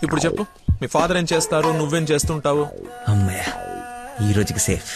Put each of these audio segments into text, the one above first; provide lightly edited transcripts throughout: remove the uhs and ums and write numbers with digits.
ఇప్పుడు చెప్పు, మీ ఫాదర్ ఏం చేస్తారు, నువ్వేం చేస్తుంటావు? అమ్మయ్య, ఈ రోజుకి సేఫ్.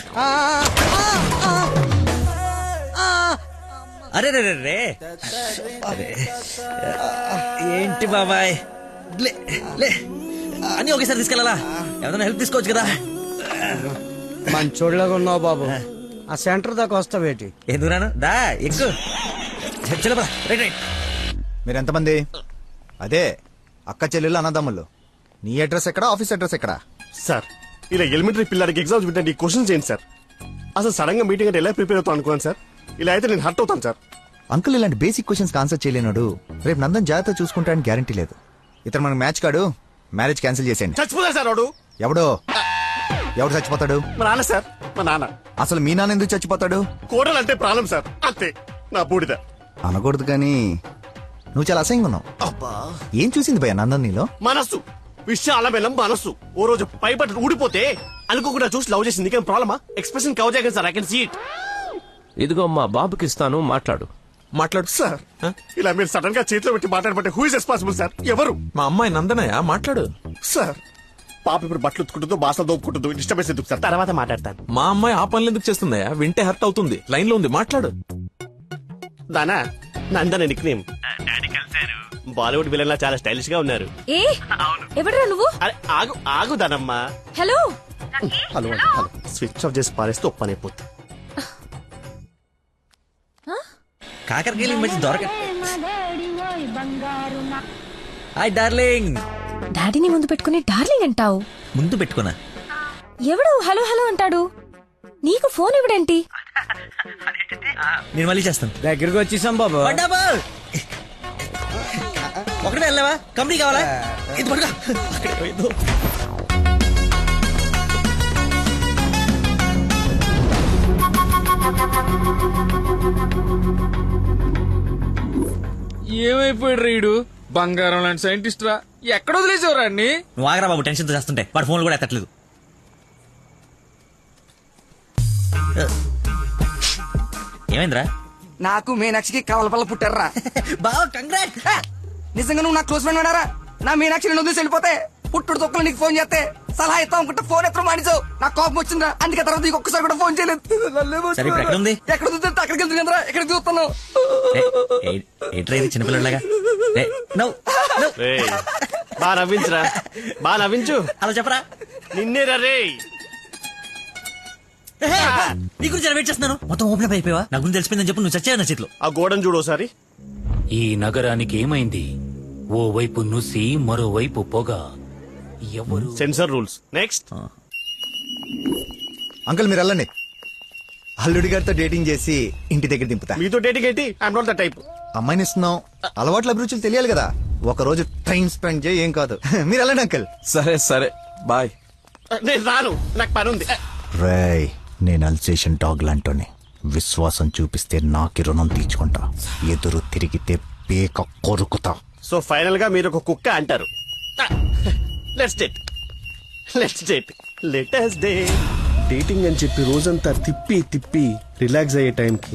అరే రే రే అరే, ఏంటి బాబాయ్, లే లే అన్నీ ఒకేసారి తీసుకెళ్ళాలా? ఏదైనా హెల్ప్ తీసుకోవచ్చు కదా. మంచోళ్ళగా ఉన్నావు బాబు. ఆ సెంటర్ దాకా వస్తావేటి? ఎందుకు రాను, దా ఎక్కు. Right right. మీరెంతమంది? అదే అక్క చెల్లెళ్ళు అన్నదమ్ములు. నీ అడ్రస్ ఎక్కడ, ఆఫీస్ అడ్రస్ ఎక్కడ? సార్, ఇలా ఎలిమెంటరీ పిల్లలకి ఎగ్జామ్స్ పెట్టండి, క్వశ్చన్స్ ఏంటి సార్? అసలు సడన్ గా మీటింగ్ అంటే ఎలా ప్రిపేర్ అవుతాను అనుకున్నాను సార్. ఇలా అయితే నేను హర్ట్ అవుతాను సార్. అంకుల్ ఇలాంటి బేసిక్ క్వశ్చన్స్ ఆన్సర్ చేయలేనాడు. రేపు నందన్ జాగ్రత్త చూసుకుంటాడని గ్యారంటీ లేదు. ఇతను మనకు మ్యాచ్ కాడు. మ్యారేజ్ క్యాన్సిల్ చేసేయండి. చచ్చిపోతా సార్ వాడు. ఎవడు చచ్చిపోతాడు? మా నాన్న సార్, మా నాన్న. అసలు మీ నాన్న ఎందుకు చచ్చిపోతాడు? కోడలు అంటే ప్రాబ్లం సార్, అంతే. నా బూడిద అనకూడదు కానీ నువ్వు చాలా అసహ్యంగా ఉన్నావు. ఏం చూసింది భయ నందన్ నీలో? మనస్సు, విశాల బెల్లం మనస్సు. ఓ రోజు పైపట్టు ఊడిపోతే అనుకోకుండా చూసి లవ్ చేసింది. నీకేం ప్రాబ్లమా? ఎక్స్ప్రెషన్ కవర్ చేయగలను sir, I can see it. ఇదిగో మా బాబుకి ఇస్తాను, మాట్లాడు. మాట్లాడు సార్. ఇలా మీరు సడన్ గా చేతిలో పెట్టి మాట్లాడబట్టే హూ ఇస్ రెస్పాన్సిబుల్ సార్? ఎవరు? మా అమ్మాయి నందనయ్య, మాట్లాడు. సార్, పాప ఇప్పుడు బట్టలు ఉత్తుకుంటుందో బాసలు దోపుకుంటుందో డిస్టర్బెన్స్ ఎందుకు సార్? తర్వాత మాట్లాడతాను. మా అమ్మాయి ఆ పనులు ఎందుకు చేస్తుందయ్యా? వింటే హర్ట్ అవుతుంది. లైన్ లో ఉంది, మాట్లాడు. దానా Nandana nickname. Bollywood villain లా చాలా స్టైలిష్ గా ఉన్నారు. ఏ ఎవడరా నువ్వు? అరే ఆగు ఆగు దానమ్మా. Hello hello hello. Switch off చేసి పారేస్తే ఒప్పనైపోతుంది. కాకరకాయలు ఈ మధ్య దొరక. Hi darling. డాడీని ముందు పెట్టుకుని డార్లింగ్ అంటావు? ముందు పెట్టుకున్నా. ఎవడు హలో హలో అంటాడు? నీకు ఫోన్ ఇవ్వడేంటి? నేను మళ్ళీ చేస్తాను. దగ్గరికి వచ్చేసాం బాబు. ఒకటే వెళ్ళావా? కంపెనీ కావాలా? ఇది పడుగా. అక్కడే పోయిందో. ఏమైపోయాడు రీడు? బంగారం లాంటి సైంటిస్ట్ రా. ఎక్కడ వదిలేసేవరా అన్ని? నువ్వు ఆగరా బాబు, టెన్షన్ తో చేస్తుంటే. వాడు ఫోన్ కూడా ఎత్తట్లేదు. ఏమైందిరా? నాకు మీనాక్షికి కవలపల్ల పుట్టారా? బావ కంగ్రాట్. నిజంగా నువ్వు నా క్లోజ్ ఫ్రెండ్ ఉన్నారా? నా మీనాక్షి నేను వదిలేసి వెళ్ళిపోతే పుట్టుడు తొక్కలు నీకు ఫోన్ చేస్తే సలహా ఇస్తాం అనుకుంటే ఫోన్ ఎత్తడం మానేసావు. నాకు కోపం వచ్చిందా, అందుకే తర్వాత నీకు ఒక్కసారి కూడా ఫోన్ చేయలేదు. సరే ఇప్పుడు ఎక్కడ ఉంది? ఎక్కడ చూస్తే అక్కడికి వెళ్తుంది కదరా, ఎక్కడ చూస్తున్నావు? ఏంట్రా ఇది చిన్నపిల్లలాగా? బా నవ్వించురా, బా నవ్వించు. అలా చెప్పరా. నిన్నేరా రే. నీ గురించి వెయిట్ చేస్తున్నాను. మొత్తం ఓపెన్ అప్ అయిపోయావా? నా గురించి తెలిసిపోయిందని చెప్పు. నువ్వు చచ్చావు నా చేతిలో. ఆ గోడను చూడు ఒకసారి. ఈ నగరానికి ఏమైంది? ఓ వైపు నుసి, మరోవైపు పొగ. ఎవరు? Sensor rules. నెక్స్ట్. అంకుల్ మీరు వెళ్ళండి. అల్లుడి గారితో డేటింగ్ చేసి ఇంటి దగ్గర దింపుతా. మీతో డేటింగ్ ఏంటి? I'm not the type. అమ్మాయిని ఇస్తున్నాం, అలవాట్ల అభిరుచులు తెలియాలి కదా. ఒక రోజు టైం స్పెండ్ చేయి, ఏం కాదు. మీరు వెళ్ళండి అంకుల్. సరే సరే, బాయ్. నేను రాను, నాకు పని ఉంది. రేయ్, నేను అల్సేషన్ డాగ్ లాంటోని. విశ్వాసం చూపిస్తే నాకి రుణం తీర్చుకుంటా, ఎదురు తిరిగితే పేక కొరుకుతా. సో ఫైనల్ గా మీరు ఒక కుక్క అంటారు. Let's date, let's date, let us day. Dating అని చెప్పి రోజంతా తిప్పి తిప్పి రిలాక్స్ అయ్యే టైంకి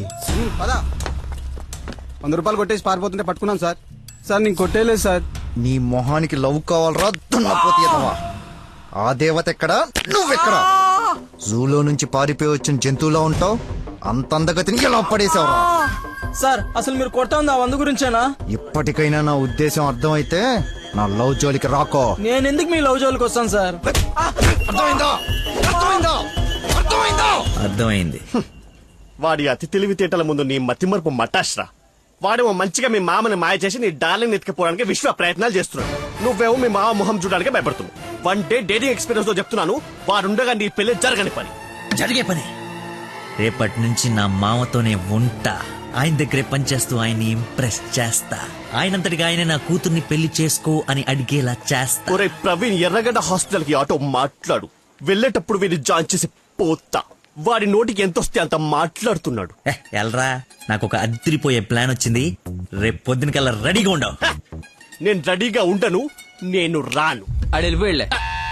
100 రూపాయలు కొట్టేసి పారిపోతుంటే పట్టుకున్నాం సార్. సార్ నేను కొట్టేయలేదు సార్. నీ మొహానికి లవ్ కావాలరా దున్నపోతీయదవా? ఆ దేవత ఎక్కడా, నువ్వెక్కడా? జూలో నుంచి పారిపోయి వచ్చిన జంతువులా ఉంటావు. అంత అందగతిని ఎలా పడేసావురా? సార్ అసలు మీరు కొడతా ఉంది ఆ 100 గురించేనా? ఇప్పటికైనా నా ఉద్దేశం అర్థమైతే నా లవ్ జోలికి రాకో. నేను ఎందుకు మీ లవ్ జోలికి వస్తాను సార్? అర్థమైందా? అర్థమైందా? అర్థమైందా? అర్థమైంది. వాడి అతి తెలివితేటల ముందు నీ మతిమరుపు మటాష్రా. వాడేమో మంచిగా మీ మామని మాయ చేసి నీ డార్లింగ్ ఎత్తుకుపోవడానికి విశ్వ ప్రయత్నాలు చేస్తున్నాడు. నువ్వేమో మీ మామ మొహం చూడడానికి భయపడుతున్నావు. 1 డే డేటింగ్ ఎక్స్పీరియన్స్ తో చెప్తున్నాను, వాడుండగా నీ పెళ్లి జరగని పని. జరిగే పని. రేపటి నుంచి నా మామతోనే ఉంటా. ఆయన దగ్గరే పనిచేస్తూ ఆయన్ని ఇంప్రెస్ చేస్తా. ఆయనంతటిగా ఆయన నా కూతుర్ని పెళ్లి చేసుకో అని అడిగేలా చేస్తా. ఒరే ప్రవీణ్, ఎర్రగడ్డ హాస్పిటల్ కి ఆటో మాట్లాడు. వెళ్ళేటప్పుడు వీడిని జాయిన్ చేసి పోతా. వాడి నోటికి ఎంతొస్తే అంత మాట్లాడుతున్నాడు. ఎల్రా, నాకు ఒక అదిరిపోయే ప్లాన్ వచ్చింది. రేపు పొద్దునకల్లా రెడీగా ఉండవు. నేను రెడీగా ఉండను, నేను రాను. ఆడు వెళ్ళిపోయిలే.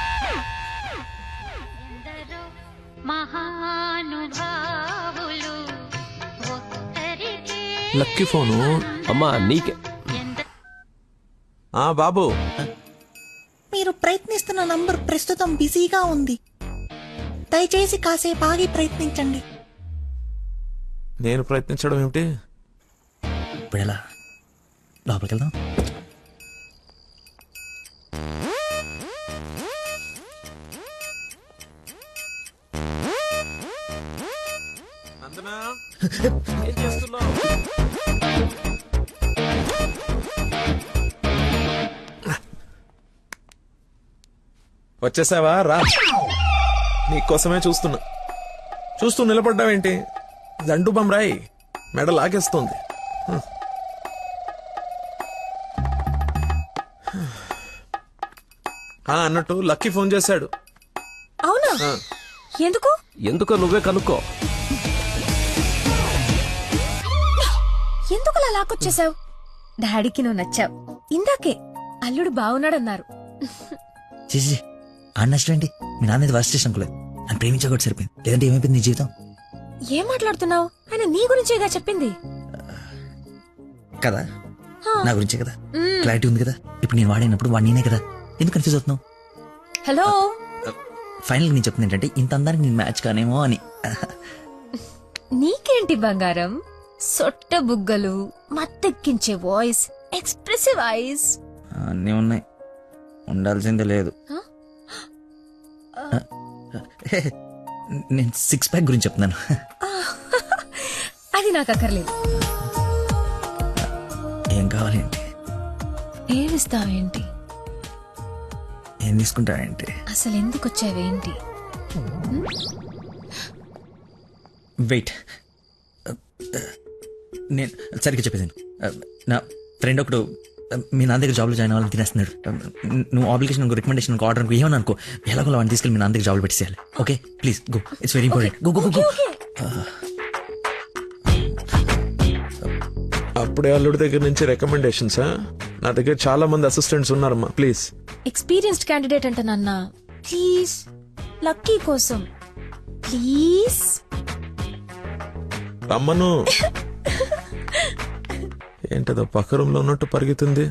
Lucky phone. అమ్మా నీకే. బాబు, మీరు ప్రయత్నిస్తున్న నంబర్ ప్రస్తుతం బిజీగా ఉంది, దయచేసి కాసేపు ఆగి ప్రయత్నించండి. నేను ప్రయత్నించడం ఏమిటి? ఇప్పుడు ఎలా లోపలికి వెళ్దాం? నందనా, ఏం చేస్తున్నావ్? వచ్చేసావా? రా, నీకోసమే చూస్తున్నా. చూస్తూ నిలబడ్డావేంటి? దండు బమ్రాయి మెడ లాగేస్తోంది. అన్నట్టు లక్కీ ఫోన్ చేశాడు. అవునా? ఆ. ఎందుకు? ఎందుకో నువ్వే కనుక్కో. ఎందుకు అలా లాక్కొచ్చేసావు? డాడీకి నువ్వు నచ్చావు. ఇందాకే అల్లుడు బాగున్నాడన్నారు. చేసి అన్నష్టండి మీ నాన్న మీద వర్స్ట్ చేసిన అనుకోలేదు. నన్ను ప్రేమించకూడదు సరిపోయింది, లేదంటే ఏమైపోయింది నీ జీవితం? ఏం మాట్లాడుతున్నావు? ఆయన నీ గురించేగా చెప్పింది. కదా నా గురించే కదా, క్లారిటీ ఉంది కదా. ఇప్పుడు నేను వాడినప్పుడు వాడు నేనే కదా, ఎందుకు కన్ఫ్యూజ్ అవుతున్నావు? హలో, ఫైనల్ నేను చెప్తుంది ఏంటంటే ఇంత అందానికి నేను మ్యాచ్ కానేమో అని. నీకేంటి బంగారం? సొట్ట బుగ్గలు, మత్తెక్కించే వాయిస్, ఎక్స్ప్రెసివ్ ఐస్. అన్నీ ఉన్నాయి, ఉండాల్సిందే లేదు. నేను సిక్స్ ప్యాక్ గురించి చెప్తున్నాను. అది నాకు అక్కర్లేదు. ఏం కావాలి ఏంటి? ఏమిస్తావేంటి? ఏం తీసుకుంటావేంటి? అసలు ఎందుకు వచ్చావేంటి? వెయిట్, నేను సరిగ్గా చెప్పేసాను. నా ఫ్రెండ్ ఒకడు మీ నాన్న దగ్గర జాబ్లో జాయిన్ అవ్వాలని తినేస్తున్నాడు. నువ్వు అప్లికేషన్ రికమెండేషన్ ఆర్డర్ అనుకో, ఏమని అనుకో, ఎలాగో వాడిని తీసుకెళ్ళి మీ నాన్న దగ్గర జాబ్లో పెట్టేసేయాలి. Okay please go, it's very important. Go go go. అప్పుడే అల్లుడి దగ్గర నుంచి రికమెండేషన్స్? నా దగ్గర చాలా మంది అసిస్టెంట్స్ ఉన్నారమ్మా, ప్లీజ్. ఎక్స్పీరియన్స్డ్ క్యాండిడేట్ అంట నాన్న. ప్లీజ్, లక్కీ కోసం ప్లీజ్. రమ్మను. ఏంటదో పక్క రూమ్ లో ఉన్నట్టు పరిగెత్తుంది.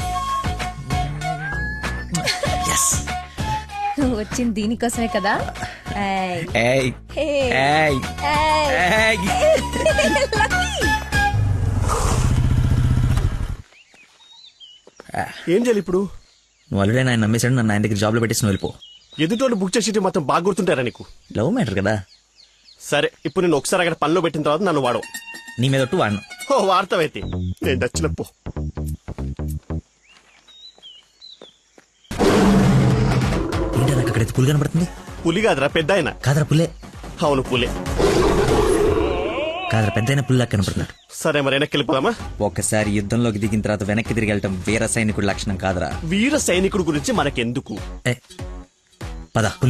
నువ్వు వచ్చింది దీనికోసమే కదా. ఏయ్. ఏయ్ ఏయ్. ఏయ్ ఏయ్. లక్కీ. ఏం చేయాలి ఇప్పుడు? నువ్వు ఆల్రెడీ ఆయన నమ్మేశాడు, నన్ను ఆయన దగ్గర జాబ్లో పెట్టేసి నువ్వు వెళ్ళిపో. ఎదుటోళ్ళు బుక్ చేసి మొత్తం బాగా గుర్తుంటారా నీకు? లవ్ మ్యాటర్ కదా. సరే, ఇప్పుడు నేను ఒకసారి అక్కడ పనిలో పెట్టిన తర్వాత నన్ను వాడవు. నీ మీద ఒట్టు వాడను. ఓ వార్తవైతే నేను నచ్చినప్పు. ఏంటి నాకు అక్కడైతే పులి కనబడుతుంది? పులి కాదురా, పెద్ద ఆయన. కాదరా పుల్లే. అవును పులే. కాదరా పెద్ద అయిన పుల్లా కనబడుతున్నాడు. సరే మరి వెనక్కి వెళ్ళిపోదామా? ఒకసారి యుద్ధంలోకి దిగిన తర్వాత వెనక్కి తిరిగి వెళ్ళటం వీర సైనికుడి లక్షణం కాదురా. వీర సైనికుడు గురించి మనకెందుకు? ఏ పద.